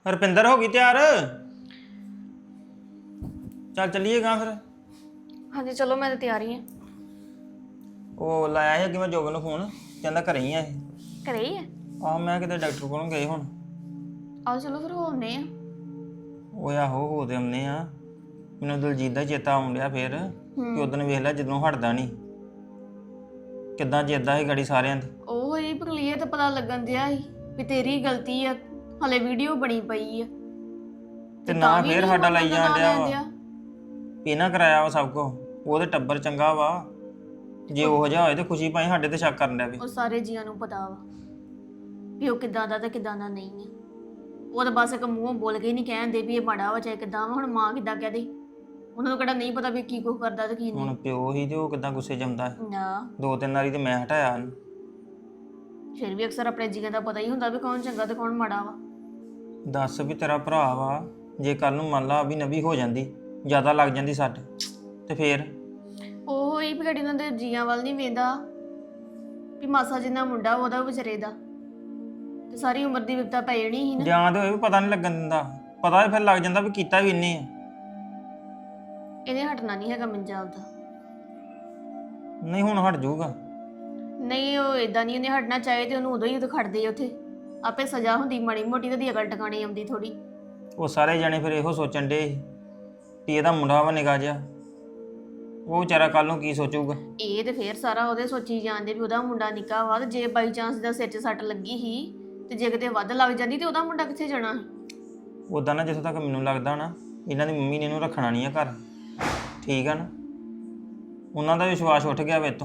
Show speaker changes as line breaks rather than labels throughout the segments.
ਹਰਪਿੰਦਰ ਹੋ ਗਈ ਤਿਆਰ? ਚੱਲ ਚੱਲੀਏਗਾ ਫਿਰ।
ਹਾਂਜੀ ਚਲੋ ਮੈਂ ਤਾਂ ਤਿਆਰ ਹੀ ਹਾਂ।
ਉਹ ਲਾਇਆ ਸੀ ਅੱਗੇ ਮੈਂ ਜੋਬਨ ਨੂੰ ਫੋਨ, ਕਹਿੰਦਾ ਘਰੇ ਹੀ ਆ ਇਹ।
ਘਰੇ ਹੀ ਹੈ?
ਆਹ ਮੈਂ ਕਿਤੇ ਡਾਕਟਰ ਕੋਲੋਂ ਗਏ ਹੁਣ।
ਆਓ ਚਲੋ ਫਿਰ ਹੋ ਆਉਂਦੇ ਆ।
ਉਹ ਆਹੋ ਹੋ ਤੇ ਆਉਂਦੇ ਆ। ਮੈਨੂੰ ਦਲਜੀਤ ਦਾ ਚੇਤਾ ਆਉਣ ਡਿਆ ਫੇਰ ਕਿ ਉਦੋਂ ਵੇਖ ਲਿਆ ਜਦੋਂ ਹਟਦਾ ਨਹੀਂ ਕਿੱਦਾਂ ਜਿੱਦਾਂ ਸੀ ਗਾੜੀ ਸਾਰਿਆਂ ਦੀ। ਉਹ
ਹੀ ਕਲੀਅਰ ਤਾਂ ਪਤਾ ਲੱਗਣ ਦਿਆ ਸੀ ਵੀ ਤੇਰੀ ਗਲਤੀ ਆ, ਹਲੇ ਵੀਡੀਓ ਬਣੀ ਪਈ ਆ
ਤੇ ਨਾ ਫੇਰ ਸਾਡਾ ਲਾਈ ਜਾਣ ਡਿਆ ਵਾ ਵੀ ਨਾ ਕਰਾਇਆ ਵਾ ਸਭ ਕੁਝ। ਉਹਦੇ ਟੱਬਰ ਚੰਗਾ ਵਾ, ਜੇ ਉਹ ਜਿਹਾ ਹੋਏ ਤੇ ਖੁਸ਼ੀ ਪਾਈ ਸਾਡੇ ਤੇ ਸ਼ੱਕ ਕਰਨ ਡਿਆ ਵੀ।
ਉਹ ਸਾਰੇ ਜੀਆਂ ਨੂੰ ਪਤਾ ਵਾ ਵੀ ਉਹ ਕਿੱਦਾਂ ਦਾ ਤੇ ਕਿੱਦਾਂ ਦਾ ਨਹੀਂ ਆ। ਉਹ ਤਾਂ ਬਸ ਇੱਕ ਮੂੰਹੋਂ ਬੋਲ ਕੇ ਨਹੀਂ ਕਹਿੰਦੇ ਵੀ ਇਹ ਮਾੜਾ ਵਾ ਚਾਹੇ ਕਿੱਦਾਂ ਵਾ। ਹੁਣ ਮਾਂ ਕਿੱਦਾਂ ਕਹਦੇ, ਉਹਨਾਂ ਨੂੰ ਕਿਹੜਾ ਨਹੀਂ ਪਤਾ ਵੀ ਕੀ ਕੁਝ ਕਰਦਾ ਤੇ ਕੀ ਨਹੀਂ।
ਹੁਣ ਪਿਓ ਹੀ ਤੇ ਉਹ ਕਿੱਦਾਂ ਗੁੱਸੇ ਜੰਮਦਾ ਹੈ।
ਨਾ
2-3 ਵਾਰੀ ਤੇ ਮੈਂ ਹਟਾਇਆ ਉਹਨੂੰ।
ਫਿਰ ਵੀ ਅਕਸਰ ਆਪਣੇ ਜੀਆਂ ਦਾ ਪਤਾ ਹੀ ਹੁੰਦਾ ਵੀ ਕੌਣ ਚੰਗਾ ਤੇ ਕੌਣ ਮਾੜਾ ਵਾ।
ਦੱਸ ਵੀ ਤੇਰਾ ਭਰਾ ਵਾ, ਜੇ ਕੱਲ ਨੂੰ ਮੰਨ ਲਾ ਵੀ ਨਵੀ ਹੋ ਜਾਂਦੀ, ਜ਼ਿਆਦਾ ਲੱਗ ਜਾਂਦੀ ਸੱਟ ਤੇ ਫੇਰ
ਉਹ ਹੀ ਵੀ ਉਹਨਾਂ ਦੇ ਜੀਆਂ ਵੱਲ ਨਹੀਂ ਵੇਂਦਾ ਵੀ ਮਾਸਾ ਜਿੰਨਾ ਮੁੰਡਾ ਉਹਦਾ ਵਿਚਾਰੇ ਦਾ ਤੇ ਸਾਰੀ ਉਮਰ ਦੀ ਵਿਪਤਾ ਪੈ ਜਾਣੀ ਸੀ ਨਾ।
ਜਾਂ ਤੇ ਹੋਏ ਵੀ ਪਤਾ ਨਹੀਂ ਲੱਗਣ ਦਿੰਦਾ, ਪਤਾ ਫਿਰ ਲੱਗ ਜਾਂਦਾ ਵੀ ਕੀਤਾ ਵੀ ਇੰਨੇ ਆ।
ਇਹਨੇ ਹਟਣਾ ਨਹੀਂ ਹੈਗਾ ਮੰਜਾਬ ਦਾ।
ਨਹੀਂ ਹੁਣ ਹਟ ਜਾਊਗਾ।
ਨਹੀਂ ਉਹ ਇਦਾਂ ਨਹੀਂ, ਉਹਨੇ ਹਟਣਾ ਚਾਹੇ ਤੇ ਉਹਨੂੰ ਉਦੋਂ ਹੀ ਖੜਦੇ ਉੱਥੇ ਆਪੇ ਸਜ਼ਾ ਹੁੰਦੀ ਮਾੜੀ ਮੋਟੀ ਤੇ ਦੀ ਅਕਲ ਟਿਕਾਣੇ ਆਉਂਦੀ ਥੋੜੀ।
ਉਹ ਸਾਰੇ ਜਣੇ ਫਿਰ ਇਹੋ ਸੋਚਣ ਡੇ ਵੀ ਇਹਦਾ ਮੁੰਡਾ ਵਾ ਨਿਕਾ ਜਿਹਾ, ਉਹ ਵਿਚਾਰਾ ਕੱਲ ਨੂੰ ਕੀ ਸੋਚੂਗਾ। ਇਹ
ਤੇ ਫੇਰ ਸਾਰਾ ਉਹਦੇ ਸੋਚੀ ਜਾਂਦੇ ਵੀ ਉਹਦਾ ਮੁੰਡਾ ਨਿੱਕਾ ਵਾ ਤੇ ਜੇ ਬਾਈ ਚਾਂਸ ਦਾ ਸਿਰ 'ਚ ਸੱਟ ਲੱਗੀ ਸੀ ਤੇ ਜੇ ਕਿਤੇ ਵੱਧ ਲੱਗ ਜਾਂਦੀ ਤੇ ਉਹਦਾ ਮੁੰਡਾ ਕਿੱਥੇ ਜਾਣਾ ਸੀ।
ਉਦਾਂ ਨਾ ਜਿੱਥੋਂ ਤੱਕ ਮੈਨੂੰ ਲੱਗਦਾ ਨਾ, ਇਹਨਾਂ ਦੀ ਮੰਮੀ ਨੇ ਇਹਨੂੰ ਰੱਖਣਾ ਨਹੀਂ ਆ ਘਰ, ਠੀਕ ਆ ਨਾ। ਉਹਨਾਂ ਦਾ ਵਿਸ਼ਵਾਸ ਉੱਠ ਗਿਆ ਵੇ ਤੋਂ।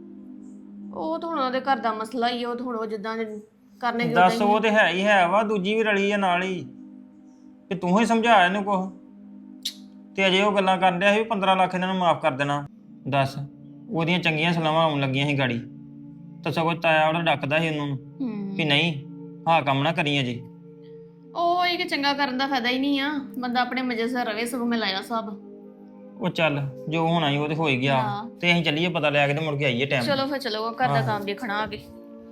ਉਹ ਤਾਂ ਹੁਣ ਉਹਦੇ ਘਰ ਦਾ ਮਸਲਾ ਹੀ, ਉਹ ਤਾਂ ਹੁਣ ਉਹ ਜਿੱਦਾਂ ਕਰਨੇ ਕਿ
ਦੱਸ ਉਹ ਤੇ ਹੈ ਹੀ ਹੈ ਵਾ, ਦੂਜੀ ਵੀ ਰਲੀ ਆ ਨਾਲ ਹੀ ਕਿ ਤੂੰ ਹੀ ਸਮਝਾਇਆ ਇਹਨੂੰ ਕੁਛ ਤੇ ਅਜੇ ਉਹ ਗੱਲਾਂ ਕਰਨ ਡਿਆ ਸੀ 15 ਲੱਖ ਇਹਨਾਂ ਨੂੰ ਮਾਫ ਕਰ ਦੇਣਾ। ਦੱਸ ਉਹਦੀਆਂ ਚੰਗੀਆਂ ਸਲਾਹਾਂ ਆਉਣ ਲੱਗੀਆਂ ਸੀ ਗਾੜੀ, ਤਾਂ ਸਗੋਂ ਤਾਇਆ ਉਹਦਾ ਡੱਕਦਾ ਸੀ ਉਹਨੂੰ ਵੀ ਨਹੀਂ ਹਾਂ ਕੰਮ ਨਾ ਕਰੀ ਅਜੇ।
ਉਹ ਇਹ ਕਿ ਚੰਗਾ ਕਰਨ ਦਾ ਫਾਇਦਾ ਹੀ ਨਹੀਂ ਆ, ਬੰਦਾ ਆਪਣੇ ਮਜ਼ੇ ਸਿਰ ਰਵੇ। ਸਗੋਂ ਮੈਂ ਲਾਇਆ ਸਭ। ਉਹ
ਚੱਲ ਜੋ ਹੋਣਾ ਸੀ ਉਹ ਤੇ ਹੋ ਹੀ ਗਿਆ, ਤੇ ਅਸੀਂ ਚੱਲੀਏ ਪਤਾ ਲੈ ਕੇ ਤੇ ਮੁੜ ਕੇ ਆਈਏ ਟਾਈਮ।
ਚਲੋ ਫਿਰ ਚਲੋ ਘਰ ਦਾ ਕੰਮ ਦੇਖਣਾ ਆਗੇ।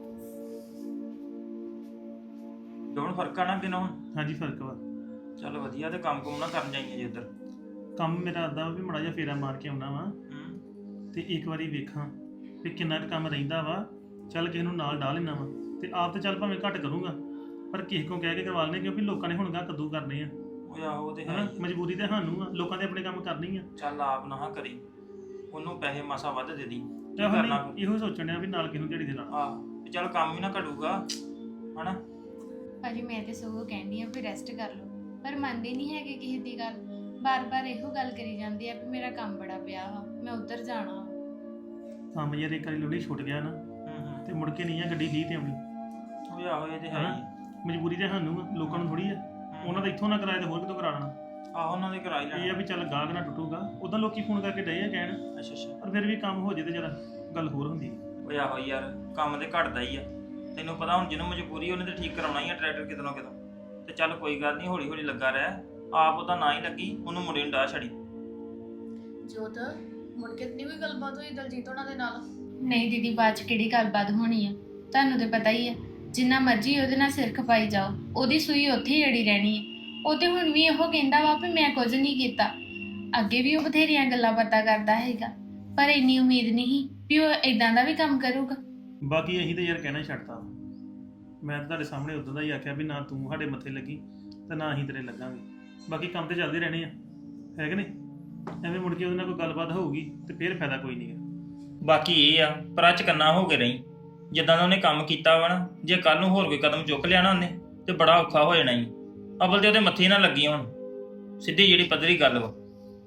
ਦੋਨ ਫਰਕ ਆ ਨਾ ਕਿਨੋਂ?
ਹਾਂਜੀ ਫਰਕ ਵਾ।
ਚੱਲ ਵਧੀਆ, ਤੇ ਕੰਮ ਕੁਮ ਨਾ ਕਰਨ ਜਾਈਏ ਜੇ ਉੱਧਰ।
ਕੰਮ ਮੇਰਾ ਅੱਧਾ ਵੀ ਮਾੜਾ ਜਿਹਾ ਫੇਰਾ ਮਾਰ ਕੇ ਆਉਣਾ ਵਾ ਤੇ ਇੱਕ ਵਾਰੀ ਵੇਖਾਂ ਵੀ ਕਿੰਨਾ ਕੁ ਕੰਮ ਰਹਿੰਦਾ ਵਾ। ਚੱਲ ਕਿਸੇ ਨੂੰ ਨਾਲ ਡਾਹ ਲੈਣਾ ਵਾ ਤੇ ਆਪ ਤੇ ਚੱਲ ਭਾਵੇਂ ਘੱਟ ਕਰੂੰਗਾ, ਪਰ ਕਿਸੇ ਕੋ ਕਹਿ ਕੇ ਕਰਵਾ ਲੈਣੇ, ਕਿਉਂਕਿ ਲੋਕਾਂ ਨੇ ਹੁਣ ਗਾ ਕੱਦੂ ਕਰਨੇ ਆ।
ਉਹ ਆਹੋ ਤੇ
ਹੈ ਮਜਬੂਰੀ ਤੇ ਸਾਨੂੰ ਆ, ਲੋਕਾਂ ਦੇ ਆਪਣੇ ਕੰਮ ਕਰਨੀ ਆ।
ਚੱਲ ਆਪ ਨਾ ਕਰੀ, ਉਹਨੂੰ ਪੈਸੇ ਮਾਸਾ ਵੱਧ ਦੇ ਦੀ।
ਇਹੋ ਸੋਚਣ ਆ ਵੀ ਨਾਲ ਕਿਹਨੂੰ ਝੜੀ ਦੇ ਨਾਲ।
ਆਹ ਚੱਲ ਕੰਮ ਹੀ ਨਾ ਘਟੂਗਾ ਹਨਾ।
ਭਾਜੀ ਮੈਂ ਤੇ ਸਗੋਂ ਕਹਿੰਦੀ ਆ ਵੀ ਰੈਸਟ ਕਰ ਲਓ, ਪਰ ਮੰਨਦੇ ਨਹੀਂ ਹੈਗੇ ਕਿਸੇ ਦੀ ਗੱਲ। ਬਾਰ-ਬਾਰ ਇਹੋ ਗੱਲ ਕਰੀ ਜਾਂਦੇ ਆ ਵੀ ਮੇਰਾ ਕੰਮ ਬੜਾ ਪਿਆ ਵਾ, ਮੈਂ ਉੱਧਰ ਜਾਣਾ।
ਕੰਮ ਯਾਰ ਇੱਕ ਵਾਰੀ ਲੋੜੀ ਛੁੱਟ ਗਿਆ ਨਾ ਤੇ ਮੁੜ ਕੇ ਨਹੀਂ ਆ ਗੱਡੀ ਲੀਹ ਤੇ ਆਉਣੀ।
ਉਹ ਆਹੋ ਇਹ ਤੇ ਹੈ ਹੀ,
ਮਜਬੂਰੀ ਤੇ ਸਾਨੂੰ ਆ, ਲੋਕਾਂ ਨੂੰ ਥੋੜੀ ਆ। ਉਹਨਾਂ ਦਾ ਇੱਥੋਂ ਨਾ ਕਰਾਇਆ ਤੇ ਹੋਰ ਕਿਤੋਂ ਕਰਾ ਲੈਣਾ।
ਆਹੋ ਉਹਨਾਂ ਦੇ ਕਰਾਈ ਲੈਣਾ।
ਇਹ ਆ ਵੀ ਚੱਲ ਗਾਹਕ ਨਾ ਟੁੱਟੂਗਾ। ਉਦਾਂ ਲੋਕੀ ਫੋਨ ਕਰਕੇ ਡਏ ਆ ਕਹਿਣ,
ਅੱਛਾ
ਪਰ ਫਿਰ ਵੀ ਕੰਮ ਹੋ ਜੇ ਤੇ ਜਰਾ ਗੱਲ ਹੋਰ ਹੁੰਦੀ।
ਉਹ ਆਹੋ ਯਾਰ ਕੰਮ ਤੇ ਘਟਦਾ ਹੀ ਆ, ਤੈਨੂੰ ਪਤਾ। ਹੁਣ ਜਿਹਨੂੰ ਮਜਬੂਰੀ ਉਹਨੇ ਤੇ ਠੀਕ ਕਰਾਉਣਾ ਹੀ ਆ ਟਰੈਕਟਰ ਕਿਤੋਂ ਕਿਤੋਂ। ਤੇ ਚੱਲ ਕੋਈ ਗੱਲ ਨਹੀਂ, ਹੌਲੀ ਹੌਲੀ ਲੱਗਾ ਰਹਿ। ਆਪ ਉਹਦਾ ਨਾ ਹੀ ਲੱਗੀ, ਉਹਨੂੰ ਮੁੰਡੇ ਨੂੰ ਡਾਹ ਛੜੀ।
ਜੋਤ ਮੁੜ ਕੇ ਨਹੀਂ ਕੋਈ ਗੱਲਬਾਤ ਹੋਈ ਦਲਜੀਤ ਉਹਨਾਂ ਦੇ ਨਾਲ?
ਨਹੀਂ ਦੀਦੀ, ਬਾਅਦ ਚ ਕਿਹੜੀ ਗੱਲਬਾਤ ਹੋਣੀ ਆ, ਤੁਹਾਨੂੰ ਤੇ ਪਤਾ ਹੀ ਆ। ਜਿੰਨਾ ਮਰਜ਼ੀ ਉਹਦੇ ਨਾਲ ਸਿਰ ਖਪਾਈ ਜਾਓ, ਉਹਦੀ ਸੂਈ ਉੱਥੇ ਹੀ ਅੜੀ ਰਹਿਣੀ ਹੈ। ਉਹ ਤੇ ਹੁਣ ਵੀ ਇਹੋ ਕਹਿੰਦਾ ਵਾ ਵੀ ਮੈਂ ਕੁਝ ਨਹੀਂ ਕੀਤਾ। ਅੱਗੇ ਵੀ ਉਹ ਬਥੇਰੀਆਂ ਗੱਲਾਂ ਪਤਾ ਕਰਦਾ ਹੈਗਾ, ਪਰ ਇੰਨੀ ਉਮੀਦ ਨਹੀਂ ਵੀ ਉਹ ਇਦਾਂ ਦਾ ਵੀ ਕੰਮ ਕਰੂਗਾ।
ਬਾਕੀ ਅਸੀਂ ਤਾਂ ਯਾਰ ਕਹਿਣਾ ਹੀ ਛੱਡਤਾ। ਮੈਂ ਤਾਂ ਤੁਹਾਡੇ ਸਾਹਮਣੇ ਉਦੋਂ ਦਾ ਹੀ ਆਖਿਆ ਵੀ ਨਾ ਤੂੰ ਸਾਡੇ ਮੱਥੇ ਲੱਗੀ ਤੇ ਨਾ ਅਸੀਂ ਤੇਰੇ ਲੱਗਾਂਗੇ। ਬਾਕੀ ਕੰਮ ਤੇ ਚੱਲਦੇ ਰਹਿਣੇ ਆ, ਹੈ ਕਿ ਨਹੀਂ? ਐਵੇਂ ਮੁੜ ਕੇ ਉਹਦੇ ਨਾਲ ਕੋਈ ਗੱਲਬਾਤ ਹੋਊਗੀ ਤੇ ਫਿਰ ਫਾਇਦਾ ਕੋਈ ਨਹੀਂ ਹੈ।
ਬਾਕੀ ਇਹ ਆ ਪਰ ਅੱਜ ਕੰਨਾ ਹੋ ਕੇ ਰਹੀ, ਜਿੱਦਾਂ ਦਾ ਉਹਨੇ ਕੰਮ ਕੀਤਾ ਵਾ ਨਾ, ਜੇ ਕੱਲ ਨੂੰ ਹੋਰ ਕੋਈ ਕਦਮ ਚੁੱਕ ਲਿਆ ਨਾ ਉਹਨੇ ਤੇ ਬੜਾ ਔਖਾ ਹੋ ਜਾਣਾ ਹੀ। ਅਬਲ ਤੇ ਉਹਦੇ ਮੱਥੇ ਨਾ ਲੱਗੀ ਹੁਣ, ਸਿੱਧੀ ਜਿਹੜੀ ਪੱਧਰੀ ਗੱਲ ਵਾ।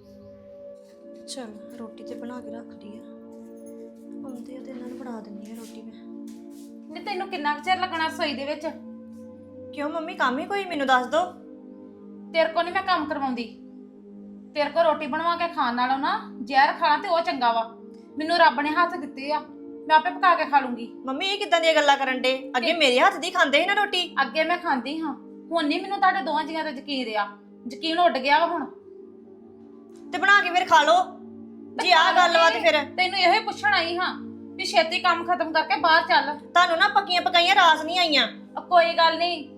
ਚਲ ਰੋਟੀ ਤੇ ਬਣਾ ਕੇ ਰੱਖ ਲਈ ਆ, ਆਉਂਦੇ ਆ ਤੇ ਇਹਨਾਂ ਨੂੰ ਬਣਾ ਦਿੰਦੀ ਆ ਰੋਟੀ ਮੈਂ।
ਨਹੀਂ ਤੈਨੂੰ ਕਿੰਨਾ ਕੁ ਚਿਰ ਲੱਗਣਾ ਰਸੋਈ ਦੇ ਵਿੱਚ?
ਕਿਉਂ ਮੰਮੀ ਕੰਮ ਹੀ ਕੋਈ ਮੈਨੂੰ ਦੱਸ ਦੋ।
ਤੇਰੇ ਕੋ ਨਹੀਂ ਮੈਂ ਕੰਮ ਕਰਵਾਉਂਦੀ। ਤੇਰੇ ਕੋ ਰੋਟੀ ਬਣਵਾ ਕੇ ਖਾਣ ਨਾਲੋਂ ਨਾ ਜ਼ਹਿਰ ਖਾਣਾ ਤੇ ਉਹ ਚੰਗਾ ਵਾ। ਮੈਨੂੰ ਰੱਬ ਨੇ ਹੱਥ ਦਿੱਤੇ ਆ, ਮੈਂ ਆਪੇ ਪਕਾ ਕੇ ਖਾ ਲੂੰਗੀ।
ਮੰਮੀ ਇਹ ਕਿੱਦਾਂ ਦੀਆਂ ਗੱਲਾਂ ਕਰਨ ਡੇ? ਅੱਗੇ ਮੇਰੇ ਹੱਥ ਦੀ ਖਾਂਦੇ ਸੀ ਨਾ ਰੋਟੀ।
ਅੱਗੇ ਮੈਂ ਖਾਂਦੀ ਹਾਂ, ਹੁਣ ਨਹੀਂ ਮੈਨੂੰ ਤੁਹਾਡੇ ਦੋਵਾਂ ਜੀਆਂ ਤੇ ਯਕੀਨ ਰਿਹਾ। ਯਕੀਨ ਉੱਡ ਗਿਆ ਵਾ ਹੁਣ।
ਤੇ ਬਣਾ ਕੇ ਫਿਰ ਖਾ ਲਓ ਜੀ। ਆਹ ਗੱਲ ਵਾ ਤੇ ਫਿਰ
ਤੈਨੂੰ ਇਹੋ ਹੀ ਪੁੱਛਣ ਆਈ ਹਾਂ ਵੀ ਛੇਤੀ ਕੰਮ ਖਤਮ ਕਰਕੇ ਬਾਹਰ ਚੱਲ।
ਤੁਹਾਨੂੰ ਨਾ ਪੱਕੀਆਂ ਪਕਾਈਆਂ ਰਾਸ ਨਹੀਂ ਆਈਆਂ।
ਕੋਈ ਗੱਲ ਨਹੀਂ,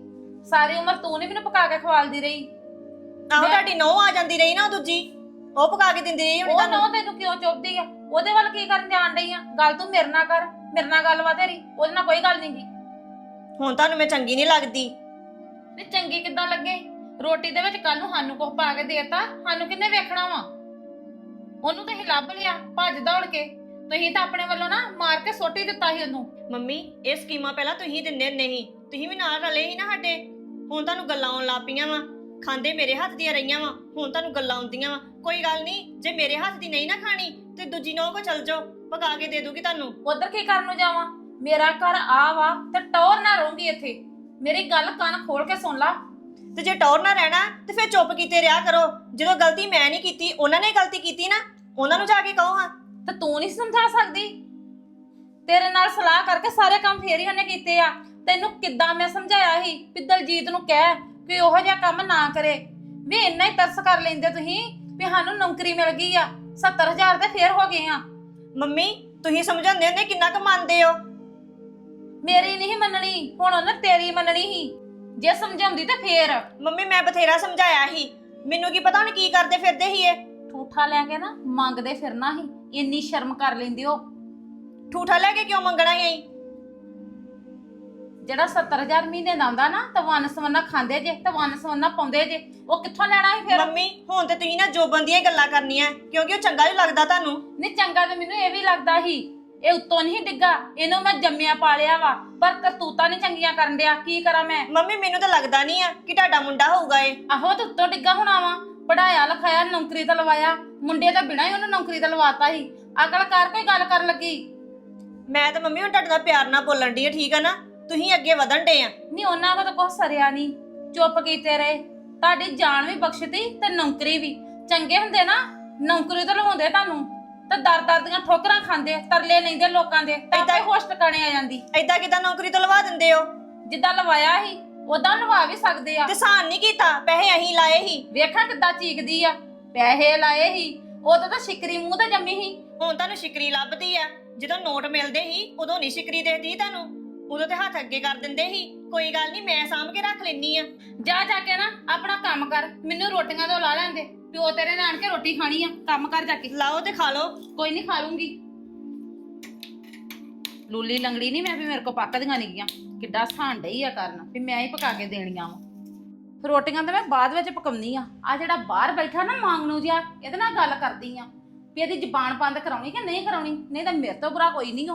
ਸਾਰੀ ਉਮਰ ਤੂੰ ਨਹੀਂ ਮੈਨੂੰ ਪਕਾ ਕੇ ਖਵਾਲਦੀ ਰਹੀ।
ਆਹੋ ਤੁਹਾਡੀ ਨੌ ਆ ਜਾਂਦੀ ਰਹੀ ਨਾ ਉਹ ਦੂਜੀ, ਉਹ ਪਕਾ ਕੇ ਦਿੰਦੀ ਰਹੀ ਹੁਣੀ
ਉਹ
ਤੁਹਾਨੂੰ।
ਨੌ ਤੈਨੂੰ ਕਿਉਂ ਚੁੱਪਦੀ ਆ? ਉਹਦੇ ਵੱਲ ਕੀ ਕਰਨ ਜਾਣ ਡਈ ਆ? ਗੱਲ ਤੂੰ ਮੇਰੇ ਨਾਲ ਕਰ, ਮੇਰੇ ਨਾਲ ਗੱਲ ਵਾ ਤੇਰੀ, ਉਹਦੇ ਨਾਲ ਕੋਈ ਗੱਲ ਨਹੀਂ ਗੀ।
ਹੁਣ ਤੁਹਾਨੂੰ ਮੈਂ ਚੰਗੀ ਨਹੀਂ ਲੱਗਦੀ।
ਤੇ ਚੰਗੀ ਕਿੱਦਾਂ ਲੱਗੇ? ਰੋਟੀ ਦੇ ਵਿੱਚ ਕੱਲ ਨੂੰ ਸਾਨੂੰ ਕੁਝ ਪਾ ਕੇ ਦੇਤਾ, ਸਾਨੂੰ ਕਿੰਨੇ ਵੇਖਣਾ ਵਾ? ਉਹਨੂੰ ਤੁਸੀਂ ਲੱਭ ਲਿਆ ਭੱਜ ਦੌੜ ਕੇ, ਤੁਸੀਂ ਤਾਂ ਆਪਣੇ ਵੱਲੋਂ ਨਾ ਮਾਰ ਕੇ ਸੁੱਟ ਹੀ ਦਿੱਤਾ ਸੀ ਉਹਨੂੰ।
ਮੰਮੀ ਇਹ ਸਕੀਮਾਂ ਪਹਿਲਾਂ ਤੁਸੀਂ ਦਿੰਦੇ ਨਹੀਂ, ਤੁਸੀਂ ਵੀ ਨਾਲ ਰਲੇ ਸੀ ਨਾ ਸਾਡੇ। ਹੁਣ ਤੁਹਾਨੂੰ ਗੱਲਾਂ ਆਉਣ ਲੱਗ ਪਈਆਂ ਵਾ, ਖਾਂਦੇ ਮੇਰੇ ਹੱਥ ਦੀਆਂ ਰਹੀਆਂ ਵਾ, ਹੁਣ ਤੁਹਾਨੂੰ ਗੱਲਾਂ ਆਉਂਦੀਆਂ ਵਾ। ਕੋਈ ਗੱਲ ਨਹੀਂ, ਜੇ ਮੇਰੇ ਹੱਥ ਦੀ ਨਹੀਂ ਨਾ ਖਾਣੀ ਤੇ ਦੂਜੀ ਨੌ ਕੋ ਚਲ ਜਾਓ, ਪਕਾ ਕੇ ਦੇ ਦੂਗੀ ਤੁਹਾਨੂੰ।
ਉਧਰ ਕੀ ਕਰਨ ਨੂੰ ਜਾਵਾਂ? ਮੇਰਾ ਘਰ ਆ ਵਾ ਤੇ ਟੌਰ ਨਾ ਰਹੂੰਗੀ ਇੱਥੇ। ਮੇਰੀ ਗੱਲ ਕੰਨ ਖੋਲ ਕੇ ਸੁਣ ਲਾ।
ਤੇ ਜੇ ਟੌਰ ਨਾ ਰਹਿਣਾ ਤੇ ਫਿਰ ਚੁੱਪ ਕੀਤੇ ਰਿਹਾ ਕਰੋ। ਜਦੋਂ ਗਲਤੀ ਮੈਂ ਨਹੀਂ ਕੀਤੀ, ਉਹਨਾਂ ਨੇ ਗਲਤੀ ਕੀਤੀ ਨਾ, ਉਹਨਾਂ ਨੂੰ ਜਾ ਕੇ ਕਹੋ ਹਾਂ।
ਤੇ ਤੂੰ ਨਹੀਂ ਸਮਝਾ ਸਕਦੀ? ਤੇਰੇ ਨਾਲ ਸਲਾਹ ਕਰਕੇ ਸਾਰੇ ਕੰਮ ਫੇਰ ਹੀ ਉਹਨੇ ਕੀਤੇ ਆ। ਤੈਨੂੰ ਕਿੱਦਾਂ ਮੈਂ ਸਮਝਾਇਆ ਸੀ ਵੀ ਦਲਜੀਤ ਨੂੰ ਕਹਿ ਕਿ ਉਹੋ ਜਿਹਾ ਕੰਮ ਨਾ ਕਰੇ। ਵੀ ਇੰਨਾ ਹੀ ਤਰਸ ਕਰ ਲੈਂਦੇ ਤੁਸੀਂ ਵੀ ਸਾਨੂੰ ਨੌਕਰੀ ਮਿਲ ਗਈ ਆ, 70,000 ਤੇ ਫੇਰ ਹੋ ਗਏ ਆ।
ਮੰਮੀ ਤੁਸੀਂ ਸਮਝਾਉਂਦੇ ਹੁੰਦੇ ਕਿੰਨਾ ਕੁ ਮੰਨਦੇ ਹੋ?
ਮੇਰੀ ਨਹੀਂ ਮੰਨਣੀ, ਹੁਣ ਉਹਨੇ ਤੇਰੀ ਮੰਨਣੀ ਸੀ। ਜੇ ਸਮਝਾਉਂਦੀ ਤੇ ਫੇਰ।
ਮੰਮੀ ਮੈਂ ਬਥੇਰਾ ਸਮਝਾਇਆ ਸੀ, ਮੈਨੂੰ ਕੀ ਪਤਾ ਹੁਣ ਕੀ ਕਰਦੇ ਫਿਰਦੇ ਸੀ ਇਹ।
ਠੂਠਾ ਲੈ ਕੇ ਨਾ ਮੰਗਦੇ ਫਿਰਨਾ ਸੀ, ਇੰਨੀ ਸ਼ਰਮ ਕਰ ਲੈਂਦੇ ਹੋ।
ਠੂਠਾ ਲੈ ਕੇ ਕਿਉਂ ਮੰਗਣਾ ਸੀ ਅਸੀਂ?
ਜਿਹੜਾ 70,000 ਮਹੀਨੇ ਦਾ ਆਉਂਦਾ ਨਾ, ਤਾਂ ਵੰਨ ਸਵੰਨਾ ਖਾਂਦੇ ਜੇ ਤੇ ਵੰਨ ਸਵੰਨਾ ਪਾਉਂਦੇ ਜੇ, ਉਹ ਕਿੱਥੋਂ ਲੈਣਾ ਸੀ ਫਿਰ?
ਮੰਮੀ ਹੁਣ ਤੇ ਤੁਸੀਂ ਨਾ ਜੋਬਨ ਦੀਆਂ ਗੱਲਾਂ ਕਰਨੀਆਂ, ਕਿਉਂਕਿ ਉਹ ਚੰਗਾ ਨਹੀਂ ਲੱਗਦਾ ਤੁਹਾਨੂੰ।
ਨਹੀਂ ਚੰਗਾ ਤੇ ਮੈਨੂੰ ਇਹ ਵੀ ਲੱਗਦਾ ਸੀ, ਇਹ ਉੱਤੋਂ ਨਹੀਂ ਡਿੱਗਾ, ਇਹਨੂੰ ਮੈਂ ਜੰਮਿਆ ਪਾਲਿਆ ਵਾ, ਪਰ ਕਰਤੂਤਾਂ ਨਹੀਂ ਚੰਗੀਆਂ ਕਰਨ ਡਿਆ। ਕੀ ਕਰਾਂ ਮੈਂ?
ਮੰਮੀ ਮੈਨੂੰ ਤਾਂ ਲੱਗਦਾ ਨਹੀਂ ਆ ਕਿ ਤੁਹਾਡਾ ਮੁੰਡਾ ਹੋਊਗਾ ਇਹ।
ਆਹੋ ਤੇ ਉੱਤੋਂ ਡਿੱਗਾ ਹੋਣਾ ਵਾ, ਪੜਾਇਆ ਲਿਖਾਇਆ, ਨੌਕਰੀ ਤੇ ਲਵਾਇਆ, ਮੁੰਡੇ ਤਾਂ ਬਿਨਾਂ ਹੀ ਉਹਨੂੰ ਨੌਕਰੀ ਤੇ ਲਵਾਤਾ ਸੀ। ਅਕਲ ਕਰ, ਕੋਈ ਗੱਲ ਕਰਨ ਲੱਗੀ।
ਮੈਂ ਤਾਂ ਮੰਮੀ ਹੁਣ ਤੁਹਾਡੇ ਨਾਲ ਪਿਆਰ ਨਾਲ ਬੋਲਣ ਦੀ ਆ, ਠੀਕ ਆ ਨਾ? ਤੁਸੀਂ ਅੱਗੇ ਵਧਣ ਡੇ ਆ।
ਨਹੀਂ ਉਹਨਾਂ ਕੋਲ ਤਾਂ ਕੁਛ ਸਰਿਆ ਨਹੀਂ, ਚੁੱਪ ਕੀਤੇ ਰਹੇ। ਤੁਹਾਡੀ ਜਾਨ ਵੀ ਬਖਸ਼ਤੀ ਤੇ ਨੌਕਰੀ ਵੀ। ਚੰਗੇ ਹੁੰਦੇ ਨਾ ਨੌਕਰੀ ਤੋਂ ਲਵਾਉਂਦੇ ਤੁਹਾਨੂੰ, ਤੇ ਦਰ ਦੀਆਂ ਠੋਕਰਾਂ ਖਾਂਦੇ, ਤਰਲੇ ਲੈਂਦੇ ਲੋਕਾਂ ਦੇ, ਤਾਂ ਆਪੇ ਹੋਸ਼ ਟਿਕਾਣੇ ਆ ਜਾਂਦੀ।
ਏਦਾਂ ਕਿਦਾਂ ਨੌਕਰੀ ਤੋਂ ਲਵਾ ਦਿੰਦੇ ਹੋ?
ਜਿੱਦਾਂ ਲਵਾਇਆ ਸੀ ਉਦਾਂ ਲਵਾ ਵੀ ਸਕਦੇ ਆ।
ਤੇ ਸਾਨ ਨਹੀਂ ਕੀਤਾ, ਪੈਸੇ ਅਸੀਂ ਲਾਏ ਸੀ।
ਵੇਖਾਂ ਕਿੱਦਾਂ ਚੀਕਦੀ ਆ, ਪੈਸੇ ਲਾਏ ਸੀ, ਉਦੋਂ ਤਾਂ ਸ਼ਿਕਰੀ ਮੂੰਹ ਤੇ ਜੰਮੀ ਸੀ।
ਹੁਣ ਤੁਹਾਨੂੰ ਸ਼ਿਕਰੀ ਲੱਭਦੀ ਆ। ਜਦੋਂ ਨੋਟ ਮਿਲਦੇ ਸੀ ਉਦੋਂ ਨਹੀਂ ਸ਼ਿਕਰੀ ਦੇਖਦੀ ਤੁਹਾਨੂੰ, ਉਦੋਂ ਤੇ ਹੱਥ ਅੱਗੇ ਕਰ ਦਿੰਦੇ ਸੀ। ਕੋਈ ਗੱਲ ਨਹੀਂ, ਮੈਂ ਸਾਂਭ ਕੇ ਰੱਖ ਲੈਣੀ ਆ।
ਜਾ ਕੇ ਨਾ ਆਪਣਾ ਕੰਮ ਕਰ, ਮੈਨੂੰ ਰੋਟੀਆਂ ਤੋਂ ਲਾ ਲੈਂਦੇ। ਪਿਓ ਤੇਰੇ ਨੇ ਆਣ ਕੇ ਰੋਟੀ ਖਾਣੀ ਆ, ਕੰਮ ਕਰ ਜਾ ਕੇ।
ਲਾਓ ਤੇ ਖਾ ਲਓ।
ਕੋਈ ਨਹੀਂ, ਖਾ ਲੂੰਗੀ। ਲੂਲੀ ਲੰਗੜੀ ਨਹੀਂ ਮੈਂ ਵੀ, ਮੇਰੇ ਕੋ ਪੱਕਦੀਆਂ ਨਹੀਂ ਗੀਆਂ। ਕਿੱਡਾ ਸਾਨ ਡਈ ਆ ਕਰਨ ਵੀ ਮੈਂ ਹੀ ਪਕਾ ਕੇ ਦੇਣੀਆਂ ਵਾ। ਰੋਟੀਆਂ ਤਾਂ ਮੈਂ ਬਾਅਦ ਵਿੱਚ ਪਕਾਉਣੀ ਆ। ਆ ਜਿਹੜਾ ਬਾਹਰ ਬੈਠਾ ਨਾ ਮਾਂਗਣੂ ਜਿਹਾ, ਇਹਦੇ ਨਾਲ ਗੱਲ ਕਰਦੀ ਆ ਵੀ ਇਹਦੀ ਜ਼ੁਬਾਨ ਬੰਦ ਕਰਾਉਣੀ ਕਿ ਨਹੀਂ ਕਰਾਉਣੀ, ਨਹੀਂ ਤਾਂ ਮੇਰੇ ਤੋਂ ਬੁਰਾ ਕੋਈ ਨਹੀਂ ਹੋ।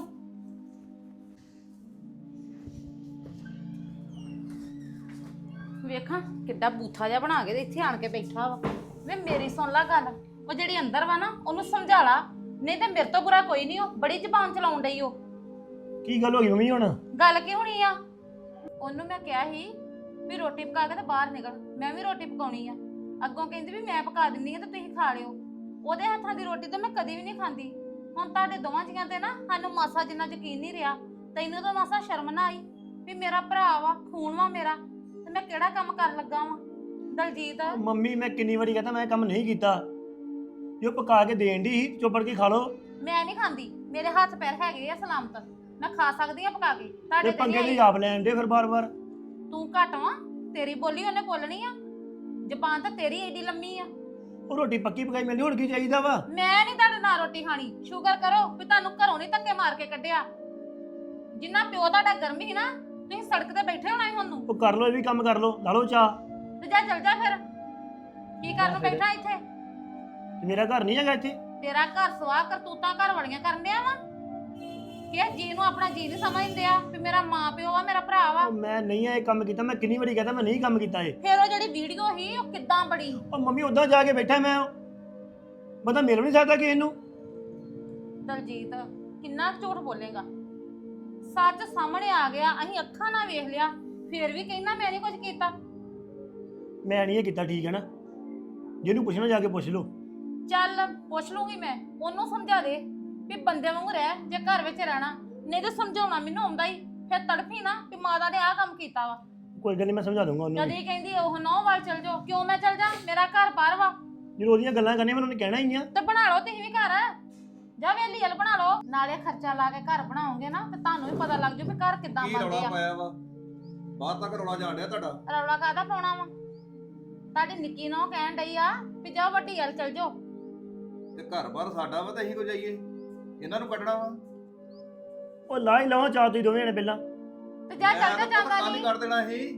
ਵੇਖਾਂ ਕਿੱਡਾ ਬੂਥਾ ਜਿਹਾ ਬਣਾ ਕੇ ਤੇ ਇੱਥੇ ਆਣ ਕੇ ਬੈਠਾ ਵਾ। ਵੇ ਮੇਰੀ ਸੁਣ ਲਾ ਗੱਲ, ਉਹ ਜਿਹੜੀ ਅੰਦਰ ਵਾ ਨਾ ਉਹਨੂੰ ਸਮਝਾ ਲਾ, ਨਹੀਂ ਤੇ ਮੇਰੇ ਤੋਂ ਬੁਰਾ ਕੋਈ ਨਹੀਂ ਹੋ। ਬੜੀ ਜ਼ਬਾਨ ਚਲਾਉਣ ਡਈ ਉਹ।
ਕੀ ਗੱਲ ਹੋ ਗਈ ਮੰਮੀ? ਹੁਣ
ਗੱਲ ਕੀ ਹੋਣੀ ਆ? ਉਹਨੂੰ ਮੈਂ ਕਿਹਾ ਸੀ ਵੀ ਰੋਟੀ ਪਕਾ ਕੇ ਤੇ ਬਾਹਰ ਨਿਕਲ, ਮੈਂ ਵੀ ਰੋਟੀ ਪਕਾਉਣੀ ਆ। ਅੱਗੋਂ ਕਹਿੰਦੀ ਵੀ ਮੈਂ ਪਕਾ ਦਿੰਨੀ ਆ ਤੇ ਤੁਸੀਂ ਖਾ ਲਿਓ। ਉਹਦੇ ਹੱਥਾਂ ਦੀ ਰੋਟੀ ਤਾਂ ਮੈਂ ਕਦੀ ਵੀ ਨਹੀਂ ਖਾਂਦੀ। ਹੁਣ ਤੁਹਾਡੇ ਦੋਵਾਂ ਜੀਆਂ ਤੇ ਨਾ ਸਾਨੂੰ ਮਾਸਾ ਜਿੰਨਾ ਯਕੀਨ ਨਹੀਂ ਰਿਹਾ। ਤੈਨੂੰ ਤਾਂ ਮਾਸਾ ਸ਼ਰਮ ਨਾ ਆਈ ਵੀ ਮੇਰਾ ਭਰਾ ਵਾ, ਖੂਨ ਵਾ ਮੇਰਾ, ਤੇ ਮੈਂ ਕਿਹੜਾ ਕੰਮ ਕਰਨ ਲੱਗਾ ਵਾਂ? ਦਲਜੀਤ
ਮੰਮੀ ਮੈਂ ਕਿੰਨੀ ਵਾਰੀ ਕਹਤਾ ਮੈਂ ਕੰਮ ਨਹੀਂ ਕੀਤਾ। ਜੋ ਪਕਾ ਕੇ ਦੇਣ ਦੀ ਸੀ, ਚੁੱਪ ਕੇ ਖਾ ਲਓ।
ਮੈਂ ਨਹੀਂ ਖਾਂਦੀ, ਮੇਰੇ ਹੱਥ ਪੈਰ ਹੈਗੇ ਆ ਸਲਾਮਤ, ਮੈਂ ਖਾ ਸਕਦੀ ਆ ਪਕਾ ਕੇ।
ਤੇ
ਤੁਹਾਡੇ ਤੇ
ਪੰਗੇ
ਨਹੀਂ
ਦੀ
ਆਈ।
ਆਪ ਲੈਣ ਦੇ ਫਿਰ ਬਾਰ-ਬਾਰ।
ਤੂੰ ਘੱਟ ਵਾ, ਤੇਰੀ ਬੋਲੀ ਉਹਨੇ ਬੋਲਣੀ ਆ। ਜ਼ਬਾਨ ਤਾਂ ਤੇਰੀ ਏਡੀ ਲੰਮੀ ਆ।
ਉਹ ਰੋਟੀ ਪੱਕੀ ਪਕਾਈ ਮਿਲਦੀ, ਹੁਣ ਕੀ ਚਾਹੀਦਾ ਵਾ?
ਮੈਂ ਨਹੀਂ ਤੁਹਾਡੇ ਨਾਲ ਰੋਟੀ ਖਾਣੀ। ਸ਼ੁਕਰ ਕਰੋ ਵੀ ਤੁਹਾਨੂੰ ਘਰੋਂ ਨਹੀਂ ਧੱਕੇ ਮਾਰ ਕੇ ਕੱਢਿਆ। ਜਿੰਨਾ ਪਿਓ ਤੁਹਾਡਾ ਗਰਮੀ ਸੀ ਨਾ, ਤੁਸੀਂ ਸੜਕ ਤੇ ਬੈਠੇ ਹੋਣਾ ਸੀ ਹੁਣ ਨੂੰ।
ਉਹ ਕਰ ਲਓ, ਇਹ ਵੀ ਕੰਮ ਕਰ ਲਓ, ਲਾ ਲਓ ਚਾਹ।
ਤੇ ਜਾ ਚੱਲ ਜਾ ਫਿਰ, ਕੀ ਕਰਨ ਨੂੰ ਬੈਠਾ ਇੱਥੇ?
ਤੇ ਮੇਰਾ ਘਰ ਨਹੀਂ ਹੈਗਾ ਇੱਥੇ।
ਤੇਰਾ ਘਰ ਸਵਾਹ ਕਰਤੂਤਾਂ ਘਰ ਵਾਲੀਆਂ ਕਰਨ ਡਿਆ ਵਾ ਕਿ ਜੀ ਨੂੰ ਆਪਣਾ ਜੀ ਨਹੀਂ ਸਮਝਦੇ ਆ ਵੀ ਮੇਰਾ ਮਾਂ ਪਿਓ ਆ, ਮੇਰਾ ਭਰਾ ਵਾ।
ਉਹ ਮੈਂ ਨਹੀਂ ਇਹ ਕੰਮ ਕੀਤਾ, ਮੈਂ ਕਿੰਨੀ ਵਾਰੀ ਕਹਤਾ ਮੈਂ ਨਹੀਂ ਕੰਮ ਕੀਤਾ ਇਹ।
ਫਿਰ ਉਹ ਜਿਹੜੀ ਵੀਡੀਓ ਸੀ ਉਹ ਕਿੱਦਾਂ ਬੜੀ?
ਉਹ ਮੰਮੀ ਉਦਾਂ ਜਾ ਕੇ ਬੈਠਾ ਮੈਂ, ਬੰਦਾ ਮਿਲ ਵੀ ਨਹੀਂ ਸਕਦਾ ਕਿਸੇ ਨੂੰ।
ਦਲਜੀਤ ਕਿੰਨਾ ਝੂਠ ਬੋਲੇਗਾ? ਸੱਚ ਸਾਹਮਣੇ ਆ ਗਿਆ, ਅਸੀਂ ਅੱਖਾਂ ਨਾਲ ਵੇਖ ਲਿਆ, ਫਿਰ ਵੀ ਕਹਿੰਦਾ ਮੈਂ ਨਹੀਂ ਕੁਝ ਕੀਤਾ।
ਮੈਂ ਨਹੀਂ ਇਹ ਕੀਤਾ, ਠੀਕ ਹੈ ਨਾ? ਜਿਹਨੂੰ ਪੁੱਛਣਾ ਜਾ ਕੇ ਪੁੱਛ ਲਓ।
ਚੱਲ ਪੁੱਛ ਲੂੰਗੀ ਮੈਂ, ਉਹਨੂੰ ਸਮਝਾ ਦੇ ਵੀ ਬੰਦੇ ਵਾਂਗੂ ਰਹਿ ਜੇ ਘਰ ਵਿੱਚ ਰਹਿਣਾ। ਨਹੀਂ ਤੇ ਸਮਝਾਉਣਾ ਮੈਨੂੰ ਆਉਂਦਾ ਹੀ, ਫਿਰ ਤੜਫੀ ਨਾ ਕਿ ਮਾਤਾ ਨੇ ਆਹ ਕੰਮ ਕੀਤਾ ਵਾ।
ਕੋਈ ਗੱਲ ਨਹੀਂ, ਮੈਂ ਸਮਝਾ ਦੂੰਗਾ ਉਹਨੂੰ।
ਕਦੀ ਕਹਿੰਦੀ ਉਹ ਨੌ ਵੱਲ ਚਲ ਜਾਓ, ਕਿਉਂ ਮੈਂ ਚਲ ਜਾ? ਮੇਰਾ ਘਰ ਬਾਹਰ ਵਾ।
ਜਦੋਂ ਉਹਦੀਆਂ ਗੱਲਾਂ ਕਰਨੀਆਂ ਮੈਨੂੰ ਉਹਨੇ ਕਹਿਣਾ ਹੀ ਆ।
ਤੇ ਬਣਾ ਲਓ ਤੁਸੀਂ ਵੀ ਘਰ, ਜਾ ਵੇਲੀ ਹਲ ਬਣਾ ਲਓ। ਨਾਲੇ ਖਰਚਾ ਲਾ ਕੇ ਘਰ ਬਣਾਓਗੇ ਨਾ ਤੇ ਤੁਹਾਨੂੰ ਵੀ ਪਤਾ ਲੱਗ ਜੂ ਵੀ ਘਰ ਕਿੱਦਾਂ
ਕੀ
ਬਣਦੇ
ਰੌਲਾ
ਆ।
ਪਾਇਆ ਵਾ? ਬਾਹਰ ਤੱਕ ਰੌਲਾ ਜਾਣ ਡਿਆ ਤੁਹਾਡਾ।
ਰੌਲਾ ਕਾਹਦਾ ਪਾਉਣਾ ਵਾ? ਤੁਹਾਡੀ ਨਿੱਕੀ ਨੂੰ ਕਹਿਣ ਡਈ ਆ ਵੀ ਜਾਓ ਵੱਡੀ ਵੱਲ ਚਲ ਜਾਓ।
ਤੇ ਘਰ-ਬਾਰ ਸਾਡਾ ਵਾ ਤੇ ਅਸੀਂ ਕੋ ਜਾਈਏ? ਇਹਨਾਂ ਨੂੰ ਕੱਢਣਾ ਵਾ।
ਉਹ ਲਾ ਹੀ ਲਵਾਂ ਚਾਹ ਤੁਸੀਂ ਦੋਵੇਂ ਨੇ ਪਹਿਲਾਂ।
ਤੇ ਜਾ
ਮੈਂ
ਚੱਲ
ਤਾਂ
ਜਾ ਜਾਂਦਾ
ਕੰਮ ਹੀ
ਨਹੀਂ।
ਕਰ ਦੇਣਾ ਸੀ।